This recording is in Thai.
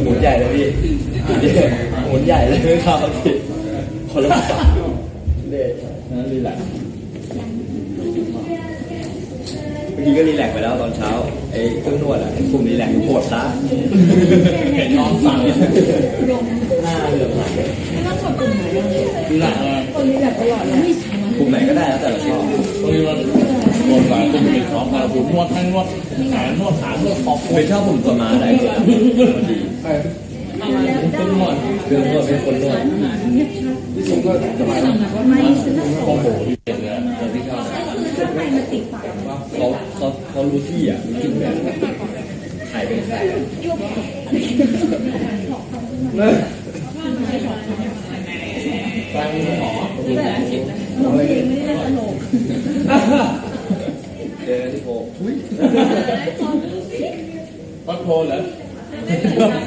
หมุนใหญ่เลยพี่หมุนใหญ่เลยไม่เข้าพี่คนละฝั่งเด็ดนั่นรีแลกซ์เมื่อกี้ก็รีแลกซ์ไปแล้วตอนเช้าไอ้เครื่องนวดอ่ะกลุ่มรีแลกซ์ปวดซะเห็นน้องสั่งหน้าเหลืองหลังไม่ต้องกดปุ่มไหนรีแลกซ์คนนี้แบบตลอดเลยกลุ่มไหนก็ได้แล้วแต่เราชอบบางทีมันนวดหลายกลุ่มติดของมาผมนวดทั้งนวดแขนนวดขานวดคอไม่ชอบผมตัวมาได้ตัวดีเป็นนวดเครื่องนวดเป็นคนนวดที่สุดก็จะมาโอ้โหที่เด็ดเลยที่ชอบเขารู้ที่อ่ะรู้ที่แบบใครเป็นใครฟังหมอเจอที่โพวัดโพเหรอ